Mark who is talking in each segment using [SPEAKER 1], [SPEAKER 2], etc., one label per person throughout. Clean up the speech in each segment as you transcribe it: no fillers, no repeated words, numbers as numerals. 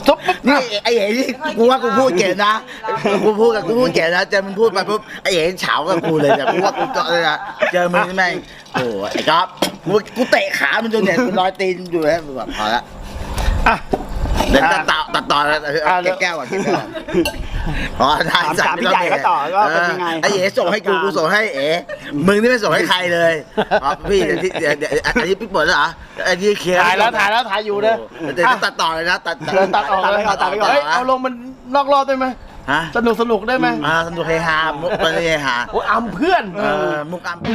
[SPEAKER 1] นี่ไอ้เอ๋นี่กูว่ากูพูดเก่งนะกูพูดเก่งนะเจอมึงพูดไปปุ๊บไอ้เอ๋เฉากับกูเลยเนี่ยกูว่ากูเลยนะเจอมึงแม่งโอ้ไอ้ก๊อฟกูเตะขามันจนเนี่ยรอยตีนอยู่แล้วแบบพอละเดี๋ยวตัดต่อแล้วแก้วก่อนอ๋อได้ถามพี่ใหญ่ก็ต่อก็เป็นยังไงไอ้เอ๋ส่งให้กูส่งให้เอ๋มึงนี่ไม่ส่งให้ใครเลยพี่เดี๋ยวอันนี้พี่เปิดแล้วเหรออันนี้เคลียร์ถ่ายอยู่นะเดี๋ยวตัดต่อเลยนะตัดออกเลยตัดไปก่อน
[SPEAKER 2] เอาลงมันนอกรอบได้ไหมสนุกได้ไหม
[SPEAKER 1] สนุกเฮฮามุกเฮฮา
[SPEAKER 2] โอ้อัมเพื่อน
[SPEAKER 1] มุกอัม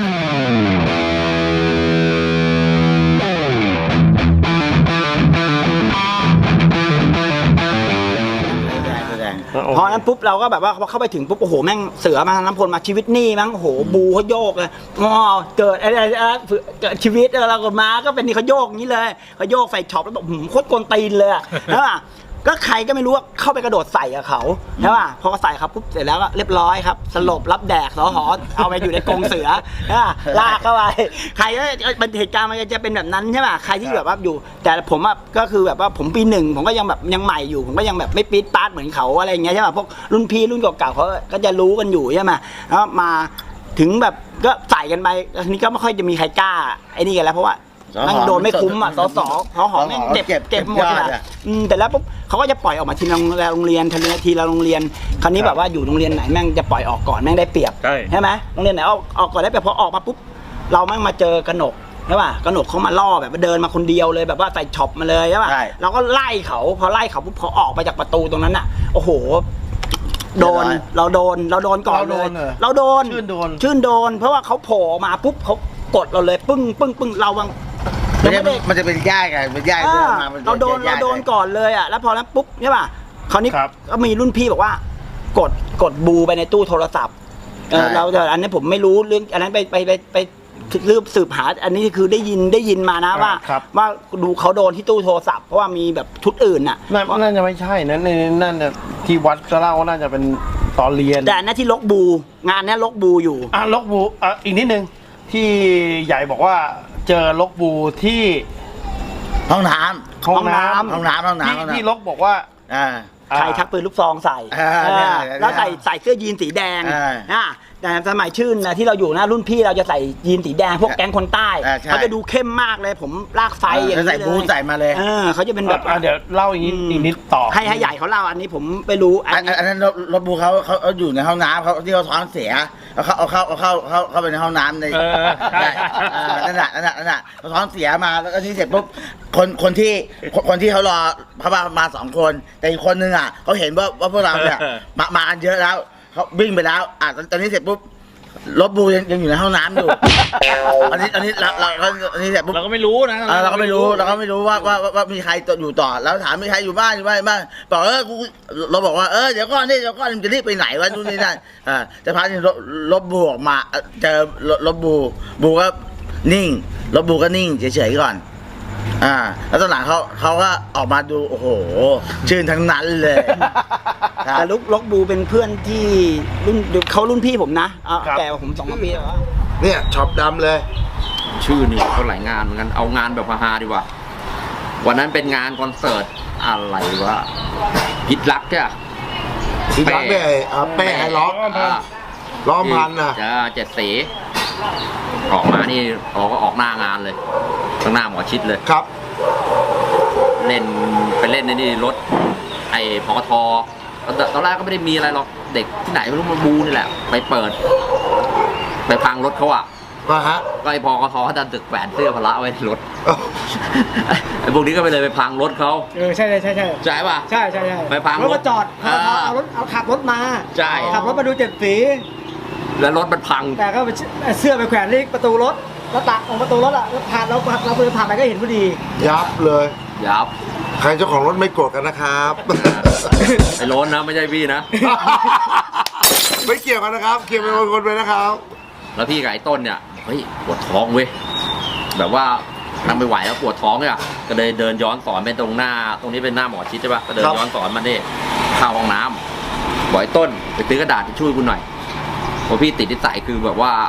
[SPEAKER 3] พอนั้นปุ๊บเราก็แบบว่าเข้าไปถึงปุ๊บโอ้โหแม่งเสือมาน้ำพลมาชีวิตนี่มั้งโอ้โหบูเขาโยกเลยงอเกิดอะไรเกิดชีวิตเราก็มาก็เป็นนี่เขาโยกอย่างนี้เลยเขาโยกใส่ช็อปแล้วแบบโคตรกวนตีนเลยใช่ป่ะก็ใครก็ไม่รู้ว่าเข้าไปกระโดดใส่กับเขาใช่ป่ะพอใส่ครับปุ๊บเสร็จแล้วก็เรียบร้อยครับสลบรับแดกสหเอาไปอยู่ในกรงเสือลากเข้าไปใครก็เป็นเหตุการณ์มันจะเป็นแบบนั้นใช่ป่ะใครที่แบบว่าอยู่แต่ผมก็คือแบบว่าผมปีหนึ่งผมก็ยังแบบยังใหม่อยู่ผมก็ยังแบบไม่ปี๊ดป๊าดเหมือนเขาอะไรอย่างเงี้ยใช่ป่ะพวกรุ่นพี่รุ่นเก่าๆเขาก็จะรู้กันอยู่ใช่ไหมแล้วมาถึงแบบก็ใส่กันไปทีนี้ก็ไม่ค่อยจะมีใครกล้าไอ้นี่กันแล้วเพราะว่ามันโดนไม่คุ้มอ่ะสหแม่งเก็บหมดอ่ะแต่แล้วปุ๊บเขาก็จะปล่อยออกมาทีละโรงเรียนทีละโรงเรียนคราวนี้แบบว่าอยู่โรงเรียนไหนแม่งจะปล่อยออกก่อนแม่งได้เปรียบใช่ไหมโรงเรียนไหนออกก่อนได้เปรียบพอออกมาปุ๊บเราแม่งมาเจอกนกใช่ป่ะกนกเขามาล่อแบบเดินมาคนเดียวเลยแบบว่าใส่ช็อปมาเลยใช่ป่ะเราก็ไล่เขาพอไล่เขาปุ๊บเขาออกไปจากประตูตรงนั้นอ่ะโอ้โหเราโดนก่อนเลยเราโดนชื่นโดนเพราะว่าเขาโผล่มาปุ๊บเขากดเราเลยปึ้งเราวัง
[SPEAKER 1] มันจะเป็นย่ายกันเป็นย่าย
[SPEAKER 3] เราโดนก่อนเลยอ่ะแล้วพอนั้นปุ๊บใช่ป่ะคราวนี้ก็มีรุ่นพี่บอกว่ากดบูไปในตู้โทรศัพท์เราแต่อันนี้ผมไม่รู้เรื่องอันนั้นไปสืบหาอันนี้คือได้ยินมานะว่าดูเขาโดนที่ตู้โทรศัพท์เพราะว่ามีแบบชุดอื่นน่ะ
[SPEAKER 2] น่าจะไม่ใช่นั่นที่วัดก็เล่าว่าน่าจะเป็นตอนเรียน
[SPEAKER 3] แต่นั่นที่ลกบูงานนี้ลกบูอยู่
[SPEAKER 2] ลกบูอีกนิดนึงที่ใหญ่บอกว่าเจอลกบูที่
[SPEAKER 1] ห้องน้ำ
[SPEAKER 2] ที่ลกบอกว่า
[SPEAKER 3] ใครชักปืนลูกซองใส่แล้วใส่เสื้อยีนสีแดงแต่สมัยชื่นนะที่เราอยู่นะรุ่นพี่เราจะใส่ยีนสีแดงพวกแก๊งคนใต้เขาจะดูเข้มมากเลยผมลากไฟอย่างนี้เลย
[SPEAKER 1] ใส่บูใส่มาเลย
[SPEAKER 3] เขาจะเป็นแบบ
[SPEAKER 2] เดี๋ยวเล่าอีกนิดต่อ
[SPEAKER 3] ให้ใหญ่เขาเล่าอันนี้ผมไปรู้
[SPEAKER 1] อันนั้นรถบูเขาอยู่ในห้องน้ำเขาที่เขาท้องเสียเอาเข้าไปในห้องน้ำในนั่นแหละเขาท้องเสียมาแล้วก็นี่เสร็จปุ๊บคนที่เขารอเขามา2 คนแต่อีกคนนึงเขาเห็นว่าพวกเราเนี่ยมากันเยอะแล้วเขาวิ่งไปแล้วตอนนี้เสร็จปุ๊บรถบูยังอยู่ในห้องน้ำอยู่อันนี้เสร็จปุ๊บ
[SPEAKER 2] เราก็ไม่รู้นะ
[SPEAKER 1] เราก็ไม่รู้ว่ามีใครอยู่ต่อแล้วถามมีใครอยู่บ้านบอกเราบอกว่าเดี๋ยวก่อนจะรีบไปไหนวะนู่นนี่นั่นจะพาที่รถบูออกมาเจอรถบูก็นิ่งรถบูก็นิ่งเฉยๆก่อนแล้วตอนหลังเขาก็ออกมาดูโอ้โหชื่นทั้งนั้นเลย
[SPEAKER 3] แต่ลกบูเป็นเพื่อนที่รุ่นพี่ผมนะแก่กว่าผม2 ปีแล้ว
[SPEAKER 1] เนี่ยช็อปดำเลย
[SPEAKER 4] ชื่อนี่เขาหลายงานเหมือนกันเอางานแบบฮาๆดีกว่าวันนั้นเป็นงานคอนเสิร์ตอะไรวะพิษรักใช่ไหม
[SPEAKER 1] พิษรักเป้ให้ร้องพันน่ะ
[SPEAKER 4] 7 สีออกมานี่ก็ออกหน้างานเลยข้างหน้าหมอชิดเลย
[SPEAKER 1] ครับ
[SPEAKER 4] เล่นไปเล่นในนี่รถไอ้พกท.ตอนแรกก็ไม่ได้มีอะไรหรอกเด็กที่ไหนไม่รู้มาบูนี่แหละไปเปิดไปพังรถเขาก็ไอ้พกท.เขาดันตึกแขวนเสื้อพละไว้ในรถไอ้พวกนี้ก็ไปเลยไปพังรถเขา
[SPEAKER 3] ใช่
[SPEAKER 4] ใช่ป่ะ
[SPEAKER 3] ใช่
[SPEAKER 4] ไปพัง
[SPEAKER 3] รถจอดเอาขับรถมา
[SPEAKER 4] ใช่
[SPEAKER 3] ขับรถมาดู7 สี
[SPEAKER 4] แล้วรถมันพัง
[SPEAKER 3] แต่ก็เสื้อไปแขวนที่ประตูรถแล้วตัดของประตูรถแล้วผ่านเราเดินผ่านไปก็เห็นพอดี
[SPEAKER 1] ยับเลย
[SPEAKER 4] ยับ
[SPEAKER 1] ใครเจ้าของรถไม่โกรธกันนะครับ
[SPEAKER 4] ไอ้รถนะไม่ใช่พี่นะ
[SPEAKER 1] ไม่เกี่ยวกันนะครับเกี่ยวเป็นคนไปนะครับ
[SPEAKER 4] แล้วพี่กับไอ้ต้นเนี่ยเฮ้ยปวดท้องเว้ยแบบว่านั่งไม่ไหวแล้วปวดท้องเนี่ยก็เลยเดินย้อนสอนไปตรงนี้เป็นหน้าหมอชิดใช่ปะก็เดินย้อนสอนมาเนี่ยเข้าห้องน้ำบอกไอ้ต้นไปซื้อกระดาษทิชชู่กูหน่อยเพราะพี่ติดนิสัยคือแบบว่า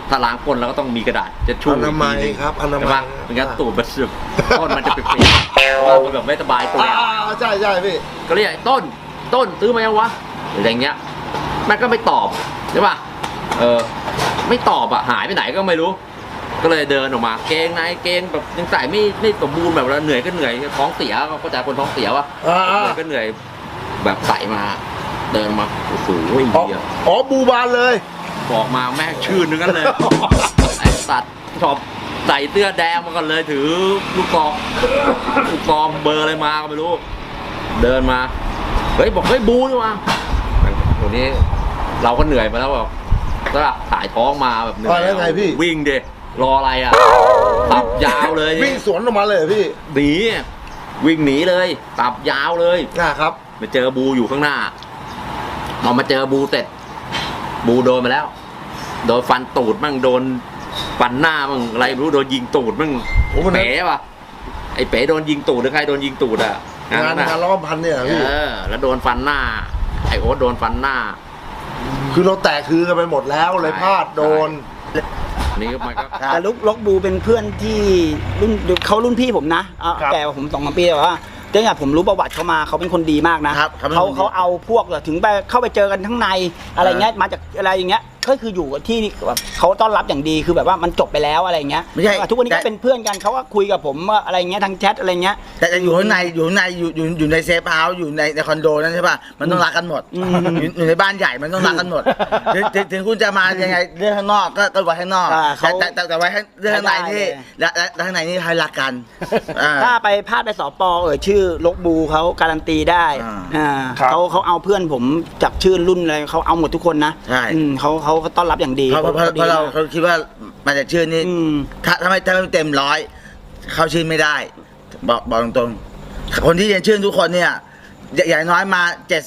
[SPEAKER 4] ถ้าล้างก้นเราก็ต้องมีกระดาษจะชู
[SPEAKER 5] อนามัยครับอนามัย
[SPEAKER 4] ใช่ปะไม่งั้นตูดมันสึกก้นมันจะเปียกๆเพราะว่ามันแบบไม่สบายตัว
[SPEAKER 5] ใช่ใช่พี่
[SPEAKER 4] ก็เรียกต้นซื้อมายังวะหรืออะไรเงี้ยมันก็ไม่ตอบใช่ป่ะไม่ตอบหายไปไหนก็ไม่รู้ ก็เลยเดินออกมาเกงในเกงแบบยังใส่ไม่สมบูรณ์แบบเราเหนื่อยก็เหนื่อยท้องเสียเข้าใจคนท้องเสียวะเหนื่อยก็เหนื่อยแบบใส่มาเดินมาโอ้โหเหี้ย
[SPEAKER 5] อ๋อบูบานเลย
[SPEAKER 4] บอกมาแม่งชื่นนึงกันเลย ไอ้สัตว์ชอบใส่เสื้อแดงมาก่อนเลยถือลูกกองเบอร์อะไรมาก็ไม่รู้เดินมาเฮ้ยบอกเฮ้ยบูนี่มาวันนี้เราก็เหนื่อยมาแล้วแบบก็ถ่ายท้องมาแบบเหนื่อย
[SPEAKER 5] แล้วไงพี่
[SPEAKER 4] วิ่งเดรออะไรตับยาวเลย
[SPEAKER 5] วิ่งสวนออกมาเลยเหรอพี่
[SPEAKER 4] หนีวิ่งหนีเลยตับยาวเลย
[SPEAKER 5] ครับ
[SPEAKER 4] มาเจอบูอยู่ข้างหน้าเรามาเจอบูเสร็จบูโดนมาแล้วโดนฟันตูดมั่งโดนฟันหน้ามั่งอะไรไม่รู้โดนยิงตูดมั่ง
[SPEAKER 5] โอ้โห
[SPEAKER 4] เป๋ป่ะไอ้เป๋โดนยิงตูดหรือใครโดนยิงตูดงานนั้น
[SPEAKER 5] งานล้อมพันเนี่ยเหรอพี่
[SPEAKER 4] แล้วโดนฟันหน้าไอ้โอ๊ตโดนฟันหน้า
[SPEAKER 5] คือเราแตกคือกันไปหมดแล้วเลยพลาดโดน
[SPEAKER 4] นี่มันก็
[SPEAKER 3] แต่ลกบูเป็นเพื่อนที่รุ่นพี่ผมนะแก่กว่าผม2-3 ปีแต่ว่าเนื่องจากผมรู้ประวัติเขามาเขาเป็นคนดีมากนะครับ เขาเอาพวกถึงไปเข้าไปเจอกันข้างในอะไรเงี้ยมาจากอะไรอย่างเงี้ยก็คืออยู่ที่แบบเขาต้อนรับอย่างดีคือแบบว่ามันจบไปแล้วอะไรเงี้ย
[SPEAKER 1] ไม่ใช่
[SPEAKER 3] ทุกวันนี้ก็เป็นเพื่อนกันเขาก็คุยกับผมอะไรเงี้ยทางแชทอะไรเงี้ย
[SPEAKER 1] แต่อยู่ข้างในอยู่ในเซฟเฮาส์อยู่ในคอนโดนั่นใช่ป่ะมันต้องรักกันหมดอยู่ในบ้านใหญ่มันต้องรักกันหมดถึงคุณจะมายังไงเรื่องข้างนอกก็ไว้ข้างนอกแต่ไว้เรื่องข้างในนี่และข้างในนี่ให้รักกัน
[SPEAKER 3] ถ้าไปพลาดไปสปชื่อลกบูเขาการันตีได้เขาเอาเพื่อนผมจากชื่อรุ่นอะไรเขาเอาหมดทุกคนนะ
[SPEAKER 1] ใช่
[SPEAKER 3] เขาต้อนรับอย่างดี
[SPEAKER 1] เพราะเขาคิดว่ามาจากชื่อนี้ถ้าไม่เต็ม100เข้าชื่อไม่ได้บอกตรงๆคนที่เรียนชื่อทุกคนเนี่ยอย่างน้อยมา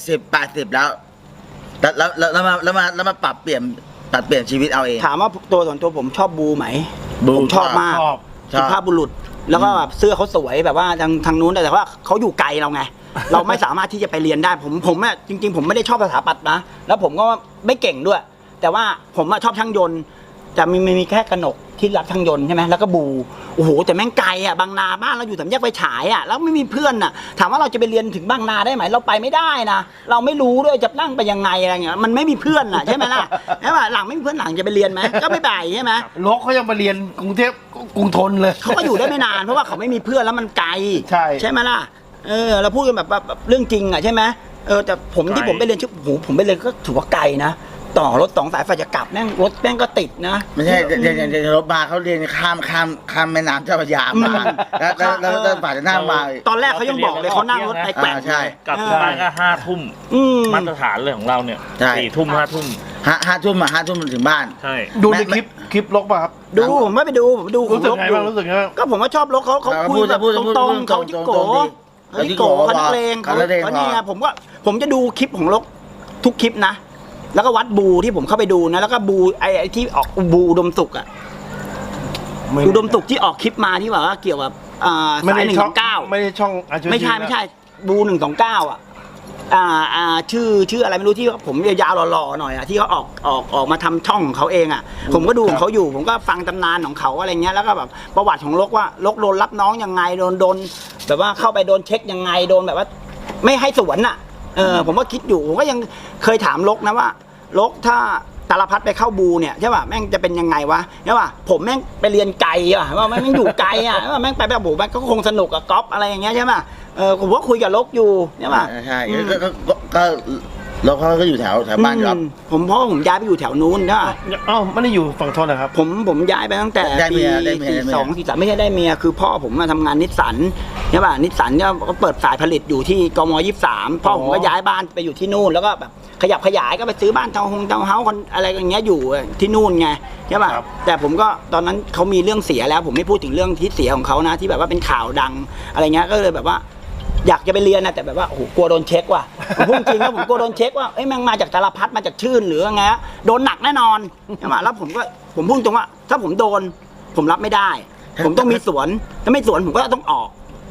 [SPEAKER 1] 70-80แล้วมาปรับเปลี่ยนชีวิตเอาเอง
[SPEAKER 3] ถามว่าตัวส่วนตัวผมชอบบูไหม
[SPEAKER 1] บู
[SPEAKER 3] ผมชอบมาก สุภาพบุรุษแล้วก็แบบเสื้อเขาสวยแบบว่าทางนู้นแต่ว่าเขาอยู่ไกลเราไง เราไม่สามารถที่จะไปเรียนได้ผมอะจริงๆผมไม่ได้ชอบสถาปัตย์นะแล้วผมก็ไม่เก่งด้วย แต่ว่าผมชอบช่างยนต์จะมีแค่กนกที่รับช่างยนต์ใช่ไหมแล้วก็บูโอ้โหแต่แม่งไกลอ่ะบางนาบ้านเราอยู่3 แยกไฟฉายอ่ะแล้วไม่มีเพื่อนอ่ะถามว่าเราจะไปเรียนถึงบางนาได้ไหมเราไปไม่ได้นะเราไม่รู้ด้วยจะนั่งไปยังไงอะไรเงี้ยมันไม่มีเพื่อนอ่ะใช่ไหมล่ะใช่ป่ะหลังไม่มีเพื่อนหลังจะไปเรียนไหมก็ไม่ไปใช่ไหม
[SPEAKER 2] ลกเขายังไปเรียนกรุงเทพกรุงทนเลย
[SPEAKER 3] เขาก็อยู่ได้ไม่นานเพราะว่าเขาไม่มีเพื่อนแล้วมันไกล
[SPEAKER 2] ใช่
[SPEAKER 3] ไหมล่ะเราพูดกันแบบเรื่องจริงอ่ะใช่ไหมแต่ผมที่ผมไปเรียนผมไปเรียนก็ถือว่าไกลนะต่อรถ2 สายไฟจะกลับแม่งรถแม่งก็ติดนะ
[SPEAKER 1] ไม่ใช่เรียนรถมาเขาเรียนข้ามแม่น้ำเจ้าพระยามาแล้วฝ่ายจะนั่งมา
[SPEAKER 3] ตอนแรกเขายังบอกเลยเขานั่งรถไปแกว่ง
[SPEAKER 1] ใช่
[SPEAKER 6] กลับบ้านก็5 ทุ่มมาตรฐานเลยของเราเนี่ย
[SPEAKER 1] ใช่
[SPEAKER 6] 4 ทุ่ม 5 ทุ่ม
[SPEAKER 1] 5 ทุ่มมันถึงบ้าน
[SPEAKER 6] ใช่
[SPEAKER 2] ดูในคลิปลกป่ะครับ
[SPEAKER 3] ดูผมไม่ไปดูผมดู
[SPEAKER 2] รู้สึก
[SPEAKER 3] ลก
[SPEAKER 2] ไง
[SPEAKER 3] อยู่
[SPEAKER 2] บ้างรู้สึกไงบ้าง
[SPEAKER 3] ก็ผมว่าชอบลกเขาคุยแบบตรงๆเขาจิโก้เขาจิโก้เขานักเลงเขาเนี่ยผมจะดูคลิปของลกทุกคลิปนะแล้วก็วัดบูที่ผมเข้าไปดูนะแล้วก็บูไอ้ที่ออกบูอุดมสุขอ่ะอุดมสุขที่ออกคลิปมาที่แบบว่าเกี่ยวกับสาย129
[SPEAKER 2] ไม่ใช่ช่อง
[SPEAKER 3] ไม่ใช่บู129อ่ะชื่ออะไรไม่รู้ที่ผมยาวๆหล่อๆหน่อยอ่ะที่เขาออกมาทำช่องของเขาเองอ่ะผมก็ดูของเขาอยู่ผมก็ฟังตำนานของเขาอะไรเงี้ยแล้วก็แบบประวัติของลกว่าลกโดนรับน้องยังไงโดนแบบว่าเข้าไปโดนเช็คยังไงโดนแบบว่าไม่ให้สวนอ่ะผมก็คิดอยู่ผมก็ยังเคยถามลกนะว่าลกถ้าตาลพัดไปเข้าบูเนี่ยใช่ป่ะแม่งจะเป็นยังไงวะใช่ป่ะผมแม่งไปเรียนไกลอ่ะว่าแม่งอยู่ไกลอ่ะว่าแม่งไปแบบบูแม่งก็คงสนุกกับก๊อฟอะไรอย่างเงี้ยใช่ป่ะผมก็คุยกับลกอยู่ใช่ป่ะ
[SPEAKER 1] ใช่ก็แล้วเขาก็อยู่แถวบ้านครับ
[SPEAKER 3] เพราะผมย้ายไปอยู่แถวนู้นนะ
[SPEAKER 2] อ้าวไม่ได้อยู่ฝั่งทนนะครับ
[SPEAKER 3] ผมย้ายไปตั้งแต่ปี42-43ไม่ใช่ได้เมียคือพ่อผมมาทำงานนิสสันใช่ป่ะนิสสันก็เปิดสายผลิตอยู่ที่กม23พ่อผมก็ย้ายบ้านไปอยู่ที่นู่นแล้วก็แบบขยับขยายก็ไปซื้อบ้านทาวน์เฮาส์อะไรอย่างเงี้ยอยู่ที่นู่นไงใช่ป่ะแต่ผมก็ตอนนั้นเขามีเรื่องเสียแล้วผมไม่พูดถึงเรื่องที่เสียของเขานะที่แบบว่าเป็นข่าวดังอะไรเงี้ยก็เลยแบบว่าอยากจะไปเรียนนะแต่แบบว่าโอ้โหกลัวโดนเช็คว่ะผมพูดจริงนะผมกลัวโดนเช็คว่าเอ้ยแม่งมาจากตาลพัดมาจากชื่นหรือไงโดนหนักแน่นอนใช่ไหมแล้วผมพูดตรงว่าถ้าผมโดนผมรับไม่ได้ผมต้องมีสวนถ้าไม่สวนผมก็ต้องออก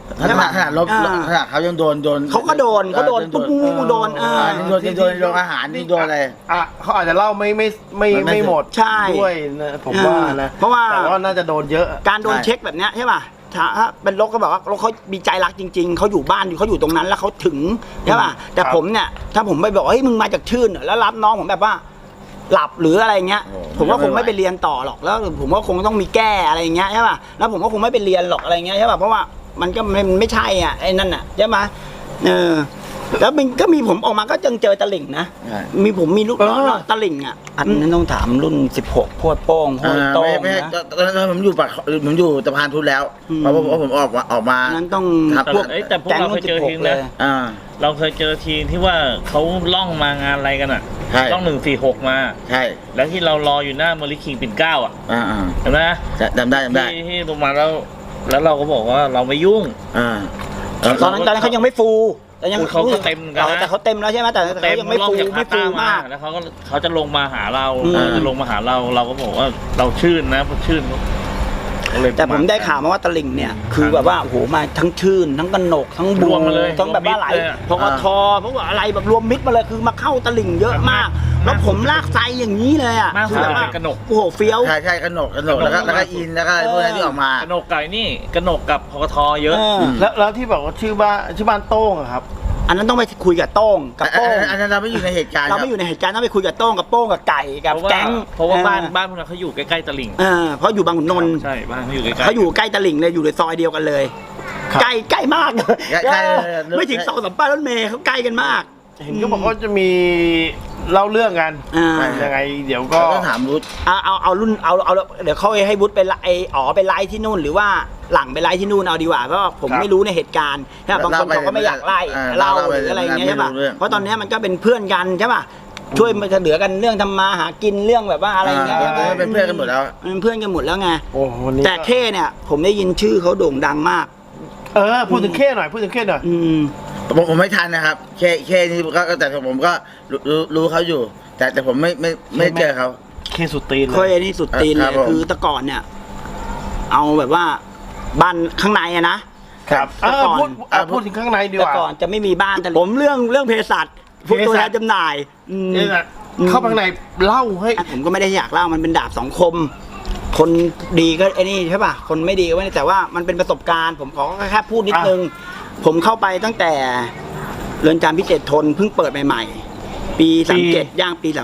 [SPEAKER 1] ขนาดลบขนาดเขายังโดน
[SPEAKER 3] เขาก็โดนปุ๊บโดน
[SPEAKER 1] โดนอาหารนี่โดนอะไร
[SPEAKER 2] เขาอาจจะเล่าไม่หมด
[SPEAKER 3] ใช่
[SPEAKER 2] ด้วยนะผมว่านะ
[SPEAKER 3] เพราะว่า
[SPEAKER 2] แต่ว่าน่าจะโดนเยอะ
[SPEAKER 3] การโดนเช็คแบบเนี้ยใช่ป่ะถ้าเป็นรถก็แบบว่ารถเขามีใจรักจริงๆเขาอยู่บ้านเขาอยู่ตรงนั้นแล้วเขาถึงใช่ป่ะแต่ผมเนี่ยถ้าผมไปบอกเฮ้ยมึงมาจากชื่นแล้วรับน้องผมแบบว่าหลับหรืออะไรเงี้ยผมก็คงไม่ไปเรียนต่อหรอกแล้วผมก็คงต้องมีแก้อะไรเงี้ยใช่ป่ะแล้วผมก็คงไม่ไปเรียนหรอกอะไรเงี้ยใช่ป่ะเพราะว่ามันก็ไม่ใช่อ่ะไอ้นั่นอ่ะใช่ไหมแล้วมันก็มีผมออกมาก็เจอตะลิ่งนะมีผมมีลูกน้องตะลิ่งอ่ะอันนั้นต้องถามรุ่น16พวดโป้งพวดโต้งนะ
[SPEAKER 1] ตอนนั้นผมอยู่สะพานพุทธแล้วเพราะผมออกมา
[SPEAKER 3] นั้นต้อง
[SPEAKER 1] พวก
[SPEAKER 6] แต่พวกเราเคยเจอทีมนะเราเคยเจอทีมที่ว่าเขาล่องมางานอะไรกันอ่ะล่อง146มา
[SPEAKER 1] ใช่
[SPEAKER 6] แล้วที่เรารออยู่หน้าเมอริคิงปิ่นเกล้าอ่ะเห็นไหม
[SPEAKER 1] จำได้
[SPEAKER 6] ที่ลงมาแล้วเราก็บอกว่าเราไม่ยุ่ง
[SPEAKER 3] ตอนนั้นเขายังไม่ฟูแต่ยัง
[SPEAKER 6] เขาก็เต็มกันนะ
[SPEAKER 3] แต่เขาเต็มแล้วใช่ไหมแต่เขายังไม่ฟูมาก
[SPEAKER 6] แล้วเขาจะลงมาหาเราเราก็บอกว่าเราชื่นนะชื่น
[SPEAKER 3] แต่ผมได้ข่าวมาว่าตะลิ่งเนี่ยคือแบบว่าโอ้โหมาทั้งชื่นทั้งกนกทั้งบูทั้งแบบว่าหลายพกทเพราะว่าอะไรแบบรวมมิตรมาเลยคือมาเข้าตะลิ่งเยอะมากแล้วผมลากไซอย่างนี้เลยอ่ะ
[SPEAKER 6] คือแบบว่ากนก
[SPEAKER 3] โอ้โหเฟี้ยว
[SPEAKER 1] ใช่กนกแล้วก็อินแล้วก็พวกนั้นที่ออกมาก
[SPEAKER 6] นกไก่นี่กนกกับพกทเยอะ
[SPEAKER 2] แล้วที่บอกว่าชื่อบ้านโต้งครับ
[SPEAKER 3] อันนั้นต้องไปคุยกับโต้งกับโป้ง
[SPEAKER 1] อันนั้นเราไม่อยู่ในเหตุการณ์
[SPEAKER 3] เราไม่อยู่ในเหตุการณ์ต้องไปคุยกับโต้งกับโป้งกับไก่กับแก๊ง
[SPEAKER 6] เพราะว่าบ้านพวกนั้นเขาอยู่ใกล้ๆตลิ่ง
[SPEAKER 3] เพราะอยู่บางขุนนนท์
[SPEAKER 6] ใช่บ้านเขาอยู่ใกล้
[SPEAKER 3] เขาอยู่ใกล้ตลิ่งเลยอยู่ในซอยเดียวกันเลยใกล้มากไม่ถึง2-3ป้ายรถเมล์เขาใกล้กันมาก
[SPEAKER 2] เห็นก็บอกว่าจะมีเล่าเรื่องกันยังไงเดี๋ยวก็
[SPEAKER 1] ถามวุฒิ
[SPEAKER 3] เอารุ่นเอาเดี๋ยวเขาให้วุฒิไปไปไลฟ์ที่นู่นหรือว่าหลังไปไลฟ์ที่นู่นเอาดีกว่าเพราะผมไม่รู้ในเหตุการณ์ใช่บางคนเขาก็ไม่อยากไล่เล่าหรืออะไรเงี้ยใช่ป่ะเพราะตอนนี้มันก็เป็นเพื่อนกันใช่ป่ะช่วยมาเหลือกันเรื่องทำมาหากินเรื่องแบบว่าอะไรเงี้ย
[SPEAKER 1] เป็นเพื่อนกันหมดแล้ว
[SPEAKER 3] เป็นเพื่อนกันหมดแล้วไงแต่เข้เนี่ยผมได้ยินชื่อเขาโด่งดังมาก
[SPEAKER 2] พูดถึงเข้หน่อย
[SPEAKER 1] ผมไม่ทันนะครับเคนี่ก็แต่ผมก็รู้เขาอยู่แต่ผมไม่เจอเขา
[SPEAKER 2] เคสุดตีนเลย
[SPEAKER 3] เคนี่สุดตีนเลยคือแต่ก่อนเนี่ยเอาแบบว่าบ้านข้างในอะนะครับ
[SPEAKER 2] พูดถึงข้างในดีกว่า
[SPEAKER 3] แต่ก่อนจะไม่มีบ้านแต่ผมเรื่องเภสัชพวกตัวแทนจำหน่าย
[SPEAKER 2] เข้าข้างในเล่าให้
[SPEAKER 3] ผมก็ไม่ได้อยากเล่ามันเป็นดาบสองคมคนดีก็ไอ้นี่ใช่ป่ะคนไม่ดีก็ไม่ได้แต่ว่ามันเป็นประสบการณ์ผมขอแค่พูดนิดนึงผมเข้าไปตั้งแต่เรือนจำพิเศษทนเพิ่งเปิดใหม่ๆปี37ย่างปี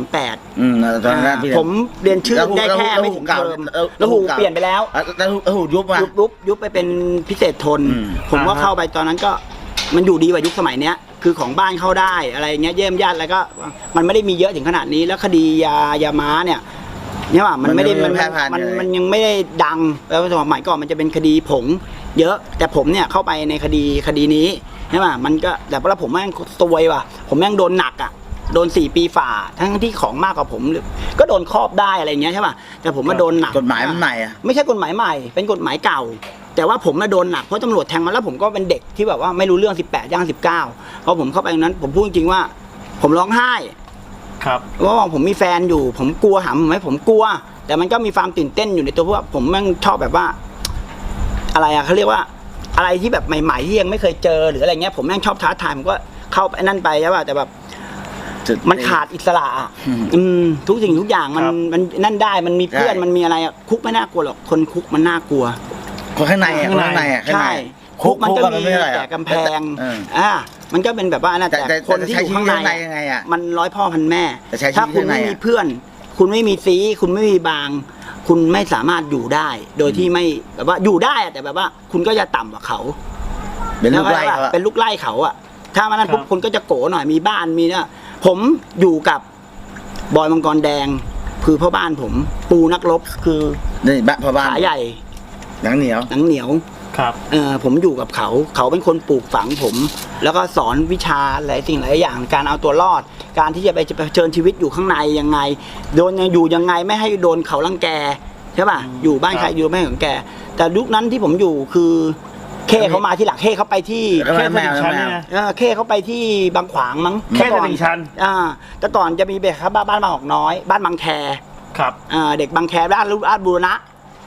[SPEAKER 3] 38
[SPEAKER 1] ตอนนั้น
[SPEAKER 3] ผมเรียนชื่อได้แค่ไม่ถึงเทอมแล้วหูเปลี่ยนไปแล้ว
[SPEAKER 1] แล้วหู
[SPEAKER 3] ยุบไปเป็นพิเศษทนผมก็เข้าไปตอนนั้นก็มันอยู่ดีกว่ายุคสมัยเนี้ยคือของบ้านเข้าได้อะไรเงี้ยเยี่ยมญาติอะไรก็มันไม่ได้มีเยอะถึงขนาดนี้แล้วคดียาม้าเนี่ยว่ามันไม่ได้มันยังไม่ได้ดังแล้วสมัยก่อนมันจะเป็นคดีผงเยอะแต่ผมเนี่ยเข้าไปในคดีนี้ใช่ป่ะมันก็แต่พอผมแม่งซวยว่ะผมแม่งโดนหนักอ่ะโดน4 ปีฝ่าทั้งที่ของมากกว่าผมก็โดนครอบได้อะไรเงี้ยใช่ป่ะแต่ผมมาโดนหนัก
[SPEAKER 1] กฎหมายมันใหม่อ่ะ
[SPEAKER 3] ไม่ใช่กฎหมายใหม่เป็นกฎหมายเก่าแต่ว่าผมมาโดนหนักเพราะตำรวจแทงมาแล้วผมก็เป็นเด็กที่แบบว่าไม่รู้เรื่อง18ย่าง19พอผมเข้าไปตรงนั้นผมพูดจริงว่าผมร้องไห้
[SPEAKER 2] ครับ
[SPEAKER 3] ว่าผมมีแฟนอยู่ผมกลัวหำไหมผมกลัวแต่มันก็มีความตื่นเต้นอยู่ในตัวเพราะว่าผมแม่งชอบแบบว่าอะไรอะเขาเรียกว่าอะไรที่แบบใหม่ๆที่ยังไม่เคยเจอหรืออะไรเงี้ยผมแม่งชอบท้าทายผมก็เข้าไปนั่นไปใช่ป่ะแต่แบบมันขาดอิสระทุกสิ่งทุกอย่างมันนั่นได้มันมีเพื่อนมันมีอะไรคุกไม่น่ากลัวหรอกคนคุกมันน่ากลัว
[SPEAKER 1] คนข้างใน
[SPEAKER 3] ใช่คุกมันก็มีแต่กำแพงมันก็เป็นแบบว่านะแต่คนที่อยู่ข้างในมัน100 พ่อพันแม่ถ้าคุณไม่มีเพื่อนคุณไม่มีซีคุณไม่มีบางคุณไม่สามารถอยู่ได้โดยที่ไม่แบบว่าอยู่ได้แต่แบบว่าคุณก็จะต่ำกว่าเขา
[SPEAKER 1] เป็นลูกไล่
[SPEAKER 3] เขาอะถ้ามันนั้นปุ๊บคุณก็จะโกหน่อยมีบ้านมีเนี่ยผมอยู่กับบอยมังกรแดงคือพ่อบ้านผมปูนักรบคือ
[SPEAKER 1] นี่บ้านพ่อบ้าน
[SPEAKER 3] ขาใหญ่
[SPEAKER 1] หนังเหนียว
[SPEAKER 2] ครับ
[SPEAKER 3] ผมอยู่กับเขาเป็นคนปลูกฝังผมแล้วก็สอนวิชาหลายสิ่งหลายอย่างการเอาตัวรอดการที่จะไปเผชิญชีวิตอยู่ข้างในยังไงโดนอยู่ยังไงไม่ให้โดนเขารังแกใช่ป่ะอยู่บ้านใครอยู่ไม่ของแกแต่ยุคนั้นที่ผมอยู่คือเคเขามาที่หลักเคเขาไปที่
[SPEAKER 2] เคตลิ่งชันนะ
[SPEAKER 3] เคเขาไปที่บางขวางมั้ง
[SPEAKER 2] เคตลิ่งชัน
[SPEAKER 3] แต่ก่อนจะมีแบบบ้านบางหอกน้อยบ้านบางแค
[SPEAKER 2] ครับ
[SPEAKER 3] เด็กบางแคบ้านราชบูรณะ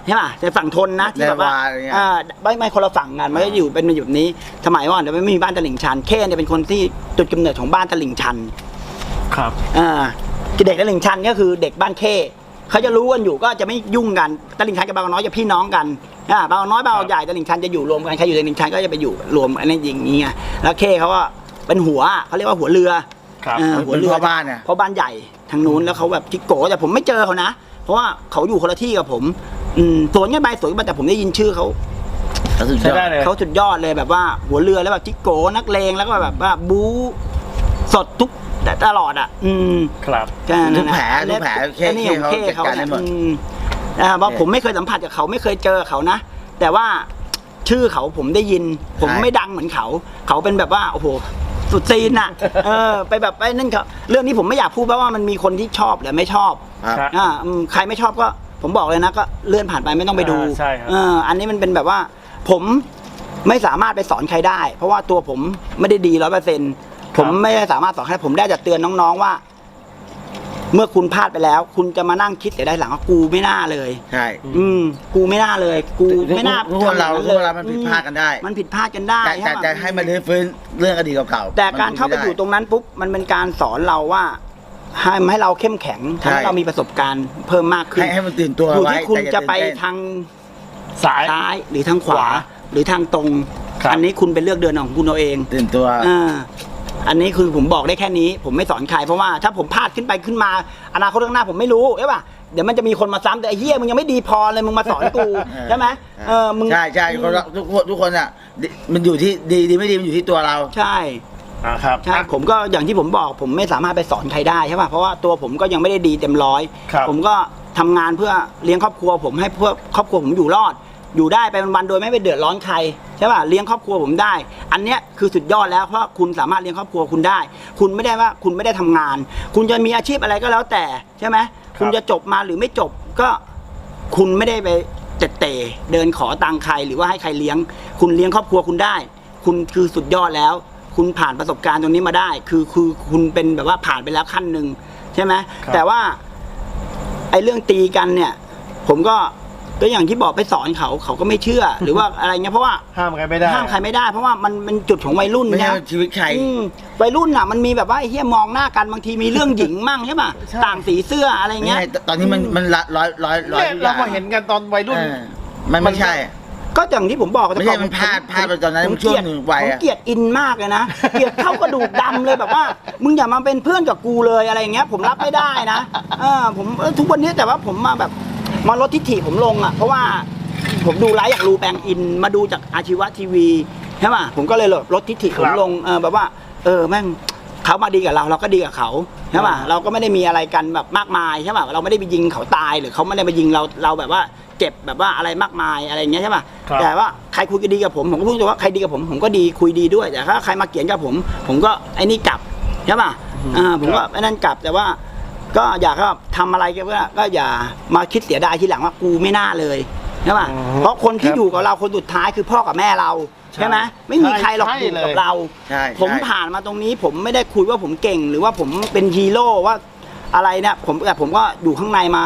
[SPEAKER 3] ใช่ป่ะในฝั่งทนนะที่แบบว่า
[SPEAKER 1] อะไรเงี้ย
[SPEAKER 3] ไม่คนละฝั่งกันมันก็อยู่เป็นอยู่แบบนี้สมัยก่อนแต่ไม่มีบ้านตลิ่งชันเข้เนี่ยเป็นคนที่จุดกำเนิดของบ้านตลิ่งชัน
[SPEAKER 2] ครับ
[SPEAKER 3] เด็กตลิ่งชันก็คือเด็กบ้านเข้เขาจะรู้กันอยู่ก็จะไม่ยุ่งกันตลิ่งชันกับบางน้อยจะพี่น้องกันบางน้อยบางใหญ่ตลิ่งชันจะอยู่รวมกันใครอยู่ตลิ่งชันก็จะไปอยู่รวมอันนี้อย่างนี้ไงแล้วเข้เขาก็เป็นหัวเขาเรียกว่าหัวเรือ
[SPEAKER 2] ครับ
[SPEAKER 3] หัวเรือ
[SPEAKER 1] พ่อบ้านเนี่ย
[SPEAKER 3] เพราะบ้านใหญ่ทางนู้นแล้วเขาแบบจิกโกแต่ผมไม่เจอเขานะเพราะว่าเขาอยู่คนละที่กับผมสวนกันไปสวนกันไปแต่ผมได้ยินชื่อเขา
[SPEAKER 2] ใช้ได้เลย
[SPEAKER 3] เขาสุดยอดเลยแบบว่าหัวเรือแล้วแบบจิกโกนักเลงแล้วก็แบบว่าบู๊สดทุกแต่ตลอด
[SPEAKER 2] ครับ
[SPEAKER 1] ทุกแผลเข้
[SPEAKER 3] อันนี้ของเข้เขา
[SPEAKER 1] จัดการได้หมด
[SPEAKER 3] เพราะผมไม่เคยสัมผัสกับเขาไม่เคยเจอเขานะแต่ว่าชื่อเขาผมได้ยิน ผมไม่ดังเหมือนเขาเป็นแบบว่าโอ้โหสุดซีนอ่ะไปแบบไปนั่นเขาเรื่องนี้ผมไม่อยากพูดเพราะว่ามันมีคนที่ชอบหรือไม่ชอบ
[SPEAKER 2] ครับ
[SPEAKER 3] ใครไม่ชอบก็ผมบอกเลยนะก็เลื่อนผ่านไปไม่ต้องไปดู
[SPEAKER 2] ใช่ครับ
[SPEAKER 3] อันนี้มันเป็นแบบว่าผมไม่สามารถไปสอนใครได้ เพราะว่าตัวผมไม่ได้ดี100%ผมไม่ได้สามารถสอนใครผมได้แต่เตือนน้องๆว่า เมื่อคุณพลาดไปแล้ว คุณจะมานั่งคิดเสียได้หลังว่ากูไม่น่าเลย
[SPEAKER 1] ใช่
[SPEAKER 3] กูไม่น่าเลย กูไม่น่า
[SPEAKER 1] ทุกคนเรามันผิดพลาดกันได้
[SPEAKER 3] มันผิดพลาดกันได้
[SPEAKER 1] แต่จะให้มันฟื้นเรื่องอดีตเก่าๆ
[SPEAKER 3] แต่การเข้าไปอยู่ตรงนั้นปุ๊บมันเป็นการสอนเราว่าให้เราเข้มแข็งทำให้เรามีประสบการณ์เพิ่มมากขึ้น
[SPEAKER 1] ให้มันตื่นตัว
[SPEAKER 3] อยู่
[SPEAKER 1] ไว้
[SPEAKER 3] ที่คุณ
[SPEAKER 1] แต่อย่า
[SPEAKER 3] จะไป
[SPEAKER 1] ตื่นเต้น
[SPEAKER 3] ทาง
[SPEAKER 2] ซ้าย
[SPEAKER 3] ซ้ายหรือทางขวาหรือทางตรง
[SPEAKER 2] ครับ
[SPEAKER 3] อันนี้คุณเป็นเลือกเดินของคุณเอาเอง
[SPEAKER 1] ตื่นตัว
[SPEAKER 3] อันนี้คือผมบอกได้แค่นี้ ผมไม่สอนใครเพราะว่าถ้าผมพลาดขึ้นไปขึ้นมาอนาคตข้างหน้าผมไม่รู้ใช่ป่ะเดี๋ยวมันจะมีคนมาซ้ำแต่ไอ้เหี้ยมึงยังไม่ดีพอเลยมึงมาสอนกูใช่ไหมมึง
[SPEAKER 1] ใช่ทุกคนอ่ะมันอยู่ที่ดีไม่ดีมันอยู่ที่ตัวเรา
[SPEAKER 3] ใช่
[SPEAKER 2] ครับ
[SPEAKER 3] ใช่ผมก็อย่างที่ผมบอกผมไม่สามารถไปสอนใครได้ใช่ป่ะเพราะว่าตัวผมก็ยังไม่ได้ดีเต็มร้อย
[SPEAKER 2] ครับ
[SPEAKER 3] ผมก็ทำงานเพื่อเลี้ยงครอบครัวผมให้เพื่อครอบครัวผมอยู่รอด อยู่ได้ไปวันๆโดยไม่ไปเดือดร้อนใครใช่ป่ะเลี้ยงครอบครัวผมได้ อันเนี้ยคือสุดยอดแล้วเพราะคุณสามารถเลี้ยงครอบครัวคุณได้ คุณไม่ได้ว่าคุณไม่ได้ทำงาน คุณจะมีอาชีพอะไรก็แล้วแต่ใช่ไหมคุณจะจบมาหรือไม่จบก็คุณไม่ได้ไปเตะเดินขอตังค์ใครหรือว่าให้ใครเลี้ยง คุณเลี้ยงครอบครัวคุณได้ คุณคือสุดยอดแล้ว คุณผ่านประสบการณ์ตรงนี้มาได้ คือคุณเป็นแบบว่าผ่านไปแล้วขั้นหนึ่งใช่ไหมแต่ว่าไอ้เรื่องตีกันเนี่ย ผมก็อย่างที่บอกไปสอนเขาก็ไม่เชื่อ หรือว่าอะไรเงี้ยเพราะว่า
[SPEAKER 2] ห้ามใครไม่ได้
[SPEAKER 3] ห้ามใครไม่ได้เพราะว่ามันเป็นจุดของวัยรุ่น
[SPEAKER 1] ไม่ใช่
[SPEAKER 3] นะ
[SPEAKER 1] ชีวิตใคร
[SPEAKER 3] วัยรุ่นอ่ะมันมีแบบว่าไอ้เหี้ยมองหน้ากันบางทีมีเรื่องหญิงมั่งใช่ป่ะต่างสีเสื้ออะไร
[SPEAKER 1] ไม่
[SPEAKER 3] เงี้ย
[SPEAKER 1] ใช่ตอนนี้มันร้อย
[SPEAKER 2] เนี่ยเรามาเห็นกันตอนวัยรุ่น
[SPEAKER 1] มันไม่ใช่
[SPEAKER 3] ก็อย่างที่ผมบอก
[SPEAKER 1] ไม่ใช่มันพลาดไปตอนนั้นช่วงหนึ่งวัย
[SPEAKER 3] ผม
[SPEAKER 1] อะ
[SPEAKER 3] เกลียดอินมากเลยนะเกลียดเข้ากระดูกดำเลยแบบว่ามึงอย่ามาเป็นเพื่อนกับกูเลยอะไรเงี้ยผมรับไม่ได้นะผมทุกวันนี้แต่ว่าผมมาแบบมาลดทิฐิผมลงอ่ะเพราะว่าผมดูไลฟ์อยากรู้แปลงอินมาดูจากอาชีวะทีวีใช่ป่ะผมก็เลยลดทิฐิผมลงแบบว่าแม่งเขามาดีกับเราก็ดีกับเขาใช่ป่ะเราก็ไม่ได้มีอะไรกันแบบมากมายใช่ป่ะเราไม่ได้ไปยิงเขาตายหรือเขาไม่ได้ไปยิงเราแบบว่าเจ็บแบบว่าอะไรมากมายอะไรอย่างเงี้ยใช่ป่ะแต่ว่าใครคุยกันดีกับผมก็พูดว่าใครดีกับผมก็ดีคุยดีด้วยแต่ถ้าใครมาเกลียดกับผมก็ไอ้นี่กลับใช่ป่ะผมก็ไอ้นั่นกลับแต่ว่าก็อยากทำอะไรก็อย่ามาคิดเสียดายทีหลังว่ากูไม่น่าเลยใช่ป่ะเพราะคนที่อยู่กับเราคนสุดท้ายคือพ่อกับแม่เราใช่ไหมไม่มีใครหรอกอยู่กับเราผมผ่านมาตรงนี้ผมไม่ได้คุยว่าผมเก่งหรือว่าผมเป็นฮีโร่ว่าอะไรเนี่ยแต่ผมก็อยู่ข้างในมา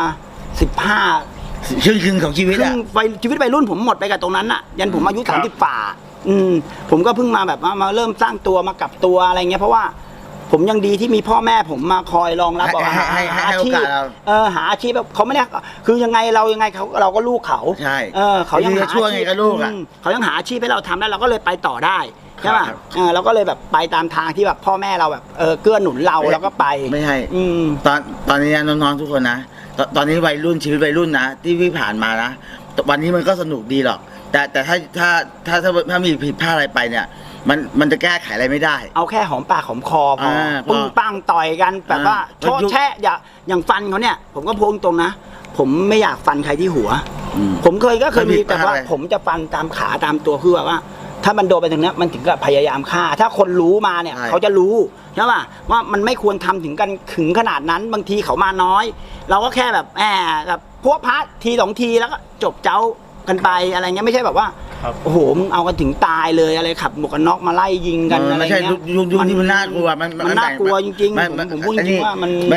[SPEAKER 3] 15
[SPEAKER 1] ครึ่งของชีวิตอะ
[SPEAKER 3] ชีวิตวัยรุ่นผมหมดไปกับตรงนั้นอะยันผมอายุ30ฝ่าผมก็เพิ่งมาแบบมาเริ่มสร้างตัวมากลับตัวอะไรเงี้ยเพราะว่าผมยังดีที่มีพ่อแม่ผมมาคอยรองรับบอกหาอาชีพหาอาชีพแบบเขาไม่ได้คือยังไงเราก็ลูกเขา
[SPEAKER 1] ใช่
[SPEAKER 3] เขายังหา
[SPEAKER 1] ช่วยไงกับลูกอะ
[SPEAKER 3] เขายังหาอาชีพให้เราทำได้เราก็เลยไปต่อได้ใช่ป่ะเราก็เลยแบบไปตามทางที่แบบพ่อแม่เราแบบเกื้อหนุนเราแล้วก็ไป
[SPEAKER 1] ไม่ใช่ตอนนี้น้องๆทุกคนนะตอนนี้วัยรุ่นชีวิตวัยรุ่นนะที่พี่ผ่านมานะวันนี้มันก็สนุกดีหรอกแต่ถ้ามีผิดพลาดอะไรไปเนี่ยมันจะแก้ไขอะไรไม่ได้
[SPEAKER 3] เอาแค่หอมปากหอมคอพอปึ้งปังต่อยกันแบบว่าโชดแชะอย่างฟันเขาเนี่ยผมก็พูดตรงนะผมไม่อยากฟันใครที่หัวผมเคยมีแต่ว่าผมจะฟันตามขาตามตัวคือแบบว่าถ้ามันโดนไปถึงนี้มันถึงกับพยายามฆ่าถ้าคนรู้มาเนี่ยเขาจะรู้ใช่ป่ะว่ามันไม่ควรทำถึงขนาดนั้นบางทีเขามาน้อย เราก็แค่แบบแบบพวกพัดที2ทีแล้วก็จบเจ้ากันไปอะไรเงี้ยไม่ใช่แบบว่าโอ้โหมึงเอากันถึงตายเลยอะไรขับหมวกกันน็อกมาไล่ยิงกันอะไรเงี้ย
[SPEAKER 1] ไม่ใช่ยุคที่มันน่ากลัวมัน
[SPEAKER 3] น่ากลัวจริงๆผมพูดจริงว่ามัน
[SPEAKER 1] ไม่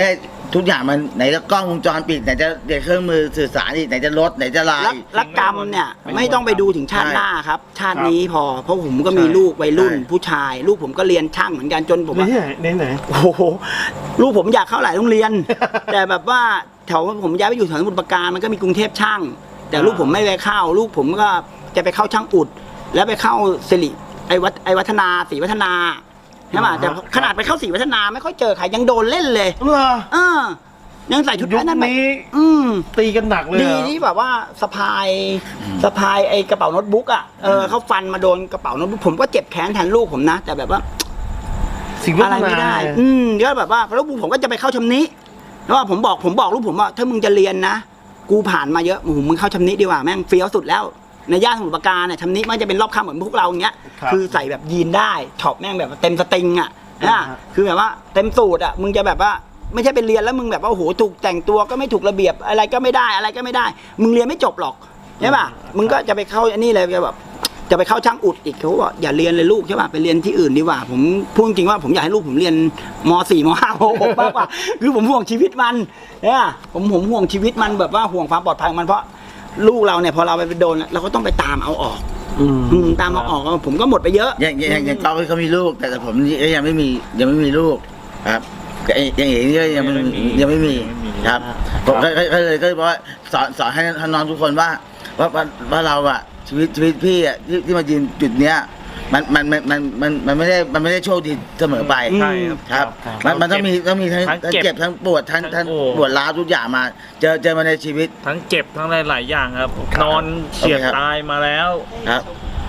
[SPEAKER 1] ทุกอย่างมันไหนจะกล้องวงจรปิดไหนจะเครื่องมือสื่อสารอีกไหนจะรถไหนจะไลน์
[SPEAKER 3] และกรรมเนี่ยไม่ต้องไปดูถึงชาติหน้าครับ ชาตินี้พอเพราะผมก็มีลูกวัยรุ่นผู้ชาย ลูกผมก็เรียนช่างเหมือนกันจนผม
[SPEAKER 2] ไหน
[SPEAKER 3] โอ้โหลูกผมอยากเข้าหลายโรงเรียน แต่แบบว่าแถวผมย้ายไปอยู่แถวสมุทรปราการมันก็มีกรุงเทพช่าง แต่ลูกผมไม่ไปเข้าลูกผมก็จะไปเข้าช่างอุด แล้วไปเข้าสิริไอวัฒนาศรีวัฒนาใช่ป่ะแต่ขนาดไปเข้าศรีวัฒนาไม่ค่อยเจอใครยังโดนเล่นเลย
[SPEAKER 2] เหรอ
[SPEAKER 3] ยังใส่ชุด
[SPEAKER 2] ยุค
[SPEAKER 3] นั้นไป
[SPEAKER 2] นี้ตีกันหนักเลย
[SPEAKER 3] ดีที่แบบว่าสะพายไอกระเป๋าโน้ตบุ๊กอ่ะเขาฟันมาโดนกระเป๋าโน้ตบุ๊กผมก็เจ็บแค้นแทนลูกผมนะ แต่แบบว่า
[SPEAKER 2] สิ่ง
[SPEAKER 3] อะไรไม่ได้ก็แบบว่าแล้วผมก็จะไปเข้าชำนิแล้วว่าผมบอกลูกผมว่าถ้ามึงจะเรียนนะกูผ่านมาเยอะมึงเข้าชำนิดีกว่าแม่งเฟี้ยวสุดแล้วในย่านสมุทรปราการเนี่ยชำนิมันจะเป็นรอบค่ำเหมือนพวกเราอย่างเงี้ยคือใส่แบบยีนได้ช็อปแม่งแบบเต็มสตริงอ่ะนะคือแบบว่าเต็มสูตรอ่ะมึงจะแบบว่าไม่ใช่ไปเรียนแล้วมึงแบบว่าโอ้โหถูกแต่งตัวก็ไม่ถูกระเบียบอะไรก็ไม่ได้มึงเรียนไม่จบหรอกใช่ป่ะมึงก็จะไปเข้าอันนี้เลยแบบจะไปเข้าช่างอุดอีกเขาบอกอย่าเรียนเลยลูกใช่ป่ะไปเรียนที่อื่นดีกว่าผมพูดจริงว่าผมอยากให้ลูกผมเรียนม.4 ม.5 ม.6 มากกว่าคือผมห่วงชีวิตมันเนี่ยผมห่วงชีวิตมันแบบว่าห่วงความปลอดภัยของมันเพราะลูกเราเนี่ยพอเราไปโดนเราก็ต้องไปตามเอาออกตามเอาออกผมก็หมดไปเยอะ
[SPEAKER 1] อย่างเขามีลูกแต่ผมยังไม่มีลูกครับอย่างนี้ก็ยังไม่มีครับผมก็เลยบอกว่าสอนให้น้องทุกคนว่าเราอะชีวิตพี่อะที่มายืนจุดเนี้ยมันไม่ได้โชคดีเสมอไปครับมันต้องมีทั้งเจ็บทั้งปวดทั้งปวดร้าวทุกอย่างมาเจอมาในชีวิต
[SPEAKER 6] ทั้งเจ็บทั้งหลายอย่างครับนอนเฉียดตายมาแล้ว
[SPEAKER 1] ครับ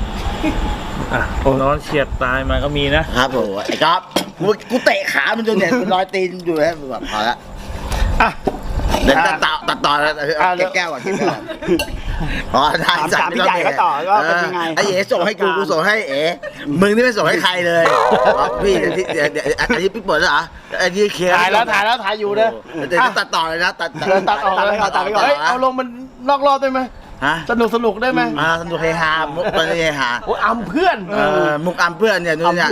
[SPEAKER 6] นอนเฉียดตายมาก็มีนะครับ
[SPEAKER 1] ผมไอ้ก๊อฟกูเตะขามันจนเนี่ยรอยตีนอยู่แล้วแบบพอละเดี๋ยวตัดต่อแล้วเก็บแก้วก่อน
[SPEAKER 3] ถามพี่ใหญ่ก็ต่อก็เป็นยังไง
[SPEAKER 1] ไอ้เอ๋ส่งให้กูส่งให้เอ๋มึงนี่ไม่ส่งให้ใครเลยพี่อันนี้พี่เปิดแล้วเหรออันนี้เคลียร์
[SPEAKER 2] ถ่ายอยู่นะ
[SPEAKER 1] เดี๋ยวตัดต่อเลยนะตัด
[SPEAKER 2] ออกเลยตัดไปก่อนเอาลงมันนอกรอบได้ไหมสนุกได้ไหม
[SPEAKER 1] สนุกเฮฮามุกตอนนี้เฮฮา
[SPEAKER 2] อัมเพื่อน
[SPEAKER 1] มุกอัมเพื่อนเนี่ยนู่นเนี่ย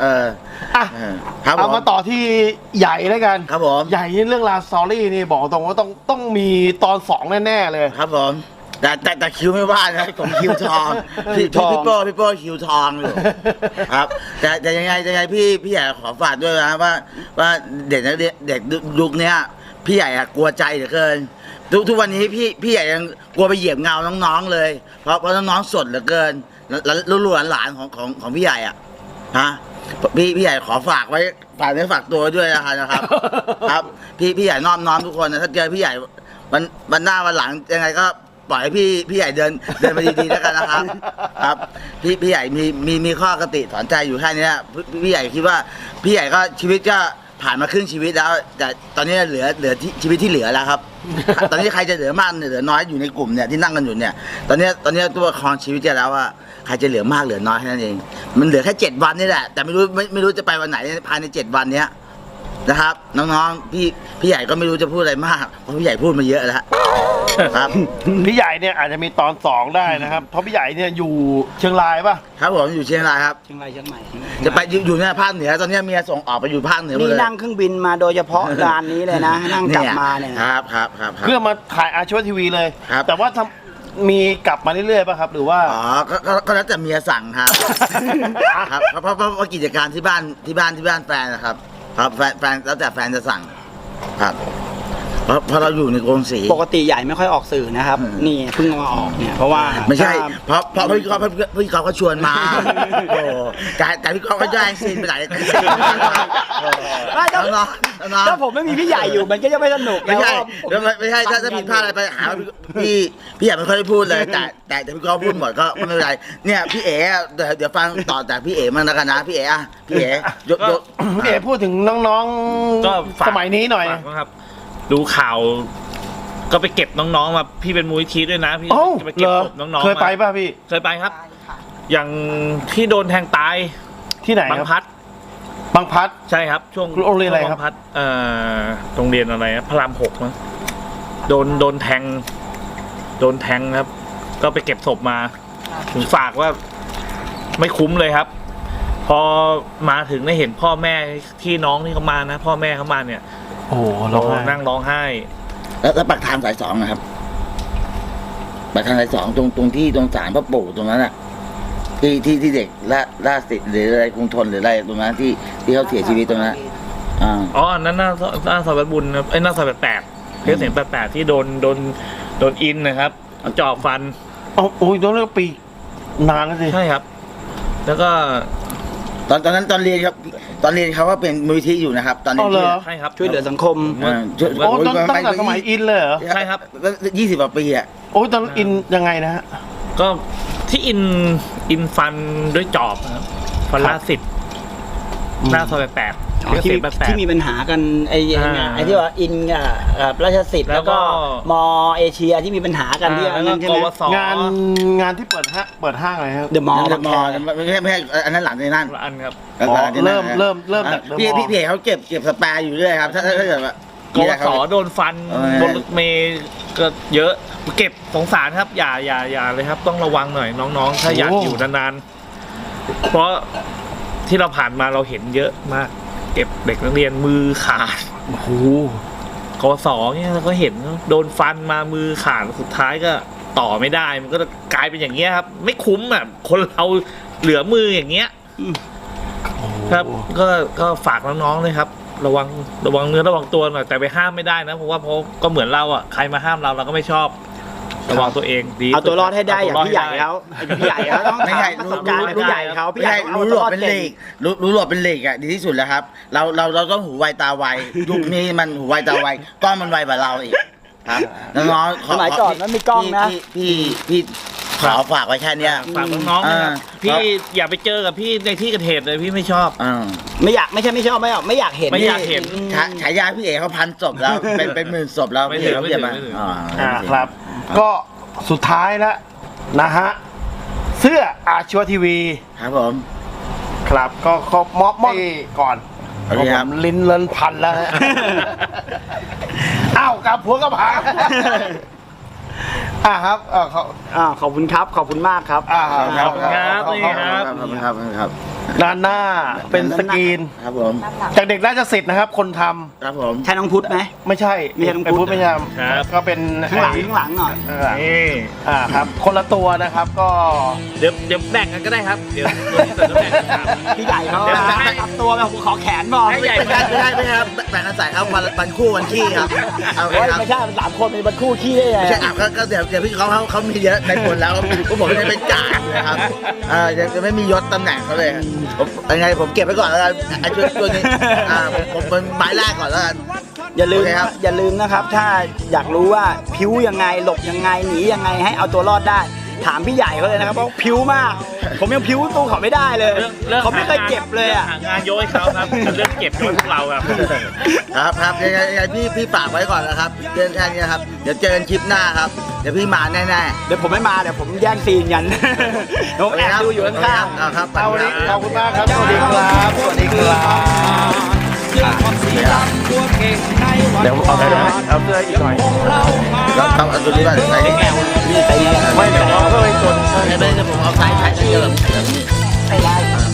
[SPEAKER 2] เอามาต่อที่ใหญ่แล้วกัน
[SPEAKER 1] ครับผม
[SPEAKER 2] ใหญ่เรื่องราวสตอรี่นี่บอกตรงว่าต้องมีตอน2แน่ๆเลย
[SPEAKER 1] ครับผมแต่คิวไม่ว่านะผมคิวทองพี่โป้คิวทองอยู่ครับแต่ยังไงพี่ใหญ่ขอฝากด้วยนะว่าเด็กยุคนี้พี่ใหญ่กลัวใจเหลือเกินทุกวันนี้พี่ใหญ่ยังกลัวไปเหยียบเงาน้องๆเลยเพราะน้องๆสดเหลือเกินลูกหลานของพี่ใหญ่ฮะพี่ใหญ่ขอฝากไว้ฝากตัวด้วยนะครับครับพี่ใหญ่น้อมทุกคนนะถ้าเจอพี่ใหญ่วันหน้าวันหลังยังไงก็ปล่อยให้พี่ใหญ่เดินมาดีๆแล้วกันนะครับครับพี่ใหญ่มีข้อกติสอนใจอยู่แค่นี้พี่ใหญ่คิดว่าพี่ใหญ่ก็ชีวิตก็ผ่านมาครึ่งชีวิตแล้วแต่ตอนนี้เหลือชีวิตที่เหลือแล้วครับตอนนี้ใครจะเหลือมากเหลือน้อยอยู่ในกลุ่มเนี่ยที่นั่งกันอยู่เนี่ยตอนนี้ตัวครองชีวิตจะแล้วว่าใครจะเหลือมากเหลือน้อยแค่นั้นเองมันเหลือแค่7 วันนี่แหละแต่ไม่รู้จะไปวันไหนภายใน7 วันเนี้ยนะครับน้องๆพี่ใหญ่ก็ไม่รู้จะพูดอะไรมากเพราะพี่ใหญ่พูดมาเยอะแล้วครับ
[SPEAKER 2] พี่ใหญ่เนี่ยอาจจะมีตอน2ได้นะครับเพราะพี่ใหญ่เนี่ยอยู่เชียงรายป่ะ
[SPEAKER 1] ครับผมอยู่เชียงรายครับ
[SPEAKER 3] เชียงใหม่
[SPEAKER 1] จะไปอยู่ในภาคเหนือตอนนี้เมียส่งออกไปอยู่ภาคเหนือ
[SPEAKER 3] นี่นั่งเครื่องบินมาโดยเฉพาะงานนี้เลยนะนั่งกลับมาเนี่ย
[SPEAKER 1] ครับ
[SPEAKER 2] เพื่อมาถ่ายอาชีวทีวีเลยแต่ว่ามีกลับมาเรื่อยๆป่ะครับหรือว่า
[SPEAKER 1] ก็แล้วแต่เมียสั่งครับครับเพราะกิจการที่บ้านแฟนนะครับครับแฟนแล้วแต่แฟนจะสั่งครับเพราะเราอยู่ในกรงสี
[SPEAKER 3] ปกติใหญ่ไม่ค่อยออกสื่อนะครับนี่เพิ่งมาออกเนี่ยเพราะว่า
[SPEAKER 1] ไม่ใช่เพราะพี่กอล์ฟเขาชวนมาโอ้แต่พี่กอล์ฟก็แย่งซีนไปไหน
[SPEAKER 3] ถ้าผมไม่มีพี่ใหญ่อยู่มันก็จะไม่สนุก
[SPEAKER 1] ไม่ใช่ถ้าผิดพลาดอะไรไปหาพี่ใหญ่ไม่ค่อยได้พูดเลยแต่พี่กอล์ฟพูดหมดก็ไม่เป็นไรเนี่ยพี่เอ๋เดี๋ยวฟังต่อจากพี่เอ๋มั่งแล้วกันนะพี่เอ๋พี่เอ๋
[SPEAKER 2] พี่เอ๋พูดถึงน้องๆสมัยนี้หน่อย
[SPEAKER 6] ครับดูข่าวก็ไปเก็บน้องๆมาพี่เป็นมูลนิธิด้วยนะพี่
[SPEAKER 2] จะไปเก็บศพน้องๆเคยไปป่ะพี่
[SPEAKER 6] เคยไปครับอย่างที่โดนแทงตาย
[SPEAKER 2] ที่ไหน
[SPEAKER 6] บางพัดใช่ครับช่วง
[SPEAKER 2] โรงเรียนอะไรครับ
[SPEAKER 6] โรงเรียนอะไรพระราม6มั้งโดนแทงครับก็ไปเก็บศพมาถึงฝากว่าไม่คุ้มเลยครับพอมาถึงได้เห็นพ่อแม่ที่น้องที่เขามานะพ่อแม่เขามาเนี่ย
[SPEAKER 2] โอ้โหร้องไห้
[SPEAKER 6] นั่งร้องไห้
[SPEAKER 1] แล้วปากทางสายสองนะครับปากทางสายสองตรงที่ตรงศาลพระปู่ตรงนั้นอ่ะที่เด็กล่าสิทธิ์หรืออะไรกรุงทนหรืออะไรตรงนั้นที่เขาเสียชีวิตตรงนั้น
[SPEAKER 6] อ๋ออันนั้นหน้าซอยบุญนะหน้าซอย88เพชรเสียง88ที่โดนอินนะครับเอาจอบฟัน
[SPEAKER 2] โอ้ยโดนเรื่องปีนานแล้วสิ
[SPEAKER 6] ใช่ครับ แล้วก็
[SPEAKER 1] ตอนนั้นตอนเรียนครับตอนเรียนเขาก็เป็นมูลนิธิอยู่นะครับตอนนี้
[SPEAKER 2] อ๋อเหรอ
[SPEAKER 6] ใช่ครับ
[SPEAKER 3] ช่วยเหลือสังคม
[SPEAKER 2] โอ้ตั้งแต่สมัยอินเลยเหรอ
[SPEAKER 6] ใช่ครับ
[SPEAKER 1] 20 กว่าปีอ่ะ
[SPEAKER 2] โอ้ยตอนอินยังไงนะฮะ
[SPEAKER 6] ก็ที่อินฟันด้วยจอบนะครับฟันล่าสิทธิ์หน้าซอย88เพชรเสียง88
[SPEAKER 3] ที่มีปัญหากันไอ้ที่ว่าอินราชสิทธิ์แล้วก็มอเอเชียที่มีปัญหากันที่
[SPEAKER 6] แล้ว
[SPEAKER 3] นั่น
[SPEAKER 6] ก็
[SPEAKER 3] ใช่
[SPEAKER 6] ก
[SPEAKER 3] ไหม
[SPEAKER 6] วส
[SPEAKER 2] งานที่เปิดห้างอะไรครับ
[SPEAKER 3] เดอะมอลล์
[SPEAKER 1] เดอะมอลล์ไม่ใช่อันนั้นหลังในนั่น
[SPEAKER 6] ละอันครับ
[SPEAKER 2] อ๋อเริ่มจาก
[SPEAKER 1] พี่เพจเขาเก็บสแปร์อยู่เรื่อยครับถ้าเกิดว่าก
[SPEAKER 6] วสโดนฟันบนรถเมย์ก็เยอะเก็บสงสารครับอย่าเลยครับ ต้องระวังหน่อยน้องๆ ถ้าอยากอยู่นานๆเพราะที่เราผ่านมาเราเห็นเยอะมากเก็บเด็กนักเรียนมือขาด
[SPEAKER 2] โอ้โห
[SPEAKER 6] กวสเนี่ยเราก็เห็นโดนฟันมามือขาดสุดท้ายก็ต่อไม่ได้มันก็กลายเป็นอย่างเงี้ยครับ ไม่คุ้มอ่ะคนเราเหลือมืออย่างเงี้ยครับก็ฝากน้องๆเลยครับ ระวังเนื้อระวังตัวหน่อยแต่ไปห้ามไม่ได้นะเพราะว่าก็เหมือนเราอ่ะใครมาห้ามเราก็ไม่ชอบระวังตัวเองดี
[SPEAKER 3] เอาตัวรอดให้ได้อย่างพี่ใหญ่แล้วพี่ใหญ่แล้วต้อง
[SPEAKER 1] ไม่ใช่
[SPEAKER 3] ประสบการณ์พี่ใหญ่เขาพี่ใหญ่
[SPEAKER 1] รู้หลบเป็นเหล็กรู้หลบเป็นเหล็กอ่ะดีที่สุดแล้วครับเราต้องหูไวตาไวยุคนี้มันหูไวตาไวกล้องมันไวกว่าเราอีกครับน้องๆ
[SPEAKER 3] สมัยก่อนมันมีกล้องนะ
[SPEAKER 1] พี่ขอฝากไว้แค่เนี้ย
[SPEAKER 6] ฝากน้องๆนะครับพี่อย่าไปเจอกับพี่ในที่เกิดเหตุเลยพี่ไม่ชอบ
[SPEAKER 3] ไม่อยากไม่ชอบไม่อยากเห็น
[SPEAKER 6] ไม่อยากเห็น
[SPEAKER 1] ฉายาพี่เอกเขา1,000 ศพแล้วเป็นหมื่นศพแล้ว
[SPEAKER 6] ไม่ถึง
[SPEAKER 1] พี่เอกเขาเขียนมา
[SPEAKER 6] ไม่ถึง
[SPEAKER 2] ครับ ก็สุดท้ายแล้วนะฮะเสื้ออาชีวทีวี
[SPEAKER 1] ครับผม
[SPEAKER 2] ครับก็มอบก่อน
[SPEAKER 1] โอเคครับ
[SPEAKER 2] ผมลิ้นเลินพันแล้วฮะ อ้าวกับผัวกับผาครับ
[SPEAKER 3] ขอบคุณครับขอบคุณมากครับ
[SPEAKER 6] ครับนี่ครับ
[SPEAKER 1] ครับ
[SPEAKER 2] ด้านหน้าเป็นสกรีน
[SPEAKER 1] ครับผม
[SPEAKER 2] จากเด็กราชสิทธิ์นะครับ คนทำ
[SPEAKER 1] ครับผม
[SPEAKER 3] ใช่น้องพุทธไหม
[SPEAKER 2] ไม่ใช่
[SPEAKER 3] ไม่ใช่น้อง
[SPEAKER 2] ไอ้
[SPEAKER 3] พุ
[SPEAKER 2] พุ
[SPEAKER 3] ท
[SPEAKER 2] ท
[SPEAKER 3] ธ
[SPEAKER 2] ธไม่ใช่
[SPEAKER 6] ครับ
[SPEAKER 2] ก็เป็น
[SPEAKER 3] ข้างหลังหน่อย
[SPEAKER 6] นี่
[SPEAKER 2] ครับ คนละตัวนะครับก็
[SPEAKER 6] เดี๋ยวแบ่งกันก็ได้ครับเดี๋ยวแบ่งกันครับ
[SPEAKER 3] พี่ใหญ่เขา
[SPEAKER 6] เดี๋ยว
[SPEAKER 3] ตับตัวไปผมขอแขนบอก
[SPEAKER 6] ให้ใหญ่
[SPEAKER 1] ไม่ใช่ครับแบ่งกันใส่ครับวันคู่วันขี้ครับเอา
[SPEAKER 3] โอ้ย
[SPEAKER 1] ครับ
[SPEAKER 3] ไม่ใช่มัน3 คนเป็นคู่ขี้ได้ไง
[SPEAKER 1] ไม่ใช่ก็เดี๋ยวพี่เขามีเยอะในคนแล้วพวกผมจะเป็นจ่านะครับจะไม่มียศตำแหน่งเขาเลยผมยังไงผมเก็บไว้ก่อนแล้วกันไอ้ตัวนี้ผมเป็นไม้แรกก่อนแล้วกัน
[SPEAKER 3] อย่าลืม
[SPEAKER 1] โอเคครับ
[SPEAKER 3] อย่าลืมนะครับ ถ้าอยากรู้ว่าพิ้วยังไงหลบยังไงหนียังไงให้เอาตัวรอดได้ ถามพี่ใหญ่เขาเลยนะครับเพราะพิ้วมาก ผมยังพิ้วตู้เขาไม่ได้เลยเขาไม่เคยเก็บเลยอ่ะ
[SPEAKER 6] หางานโยยเขาครับเรื่องเก็บโยยพวกเราครับ
[SPEAKER 1] ครับยังไงพี่ฝากไว้ก่อนนะครับเรื่องแค่นี้ครับเดี๋ยวเจอกันคลิปหน้าครับเดี๋ยวพี่มาแน่ๆ
[SPEAKER 3] เดี๋ยวผมไม่มาเดี๋ยวผมแย่งซีนกันผมแอบดูอยู่ข้างๆ
[SPEAKER 1] ครับ
[SPEAKER 2] เอาวันนี้ขอบคุณมากครับสวัสดีครับสวัสดีครับเดี๋ยวเอาเอาเสื้ออีกหน่อย
[SPEAKER 1] แล้วต้องเอาตัวนี้มาใส่แก้ว
[SPEAKER 2] ไม่เดี๋ยวเอาเพิ่มอีกตัว
[SPEAKER 1] ไม่ได้ผมเอาใส่เสื้อแบบนี้
[SPEAKER 3] ใส่ได้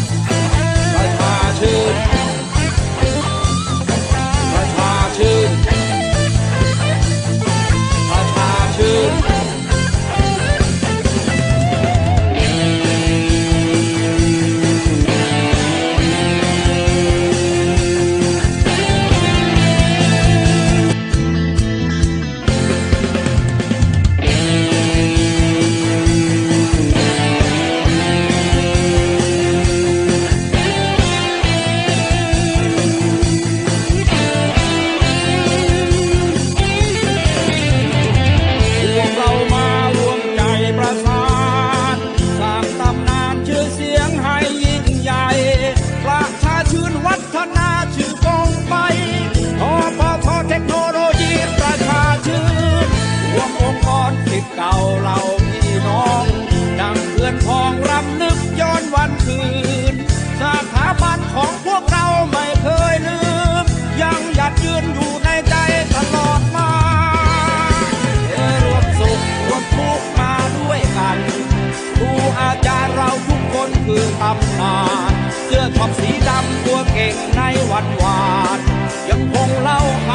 [SPEAKER 7] เก่าเราพี่น้องดังเพื่อนพ้องรำนึกย้อนวันคืนสถาบันของพวกเราไม่เคยลืมยังหยัดยืนอยู่ในใจตลอดมารวมสุขรวมทุกข์มาด้วยกันครูอาจารย์เราทุกคนคือตำนานเสื้อช็อปสีดำตัวเก่งในวันวานยังคงเล่าข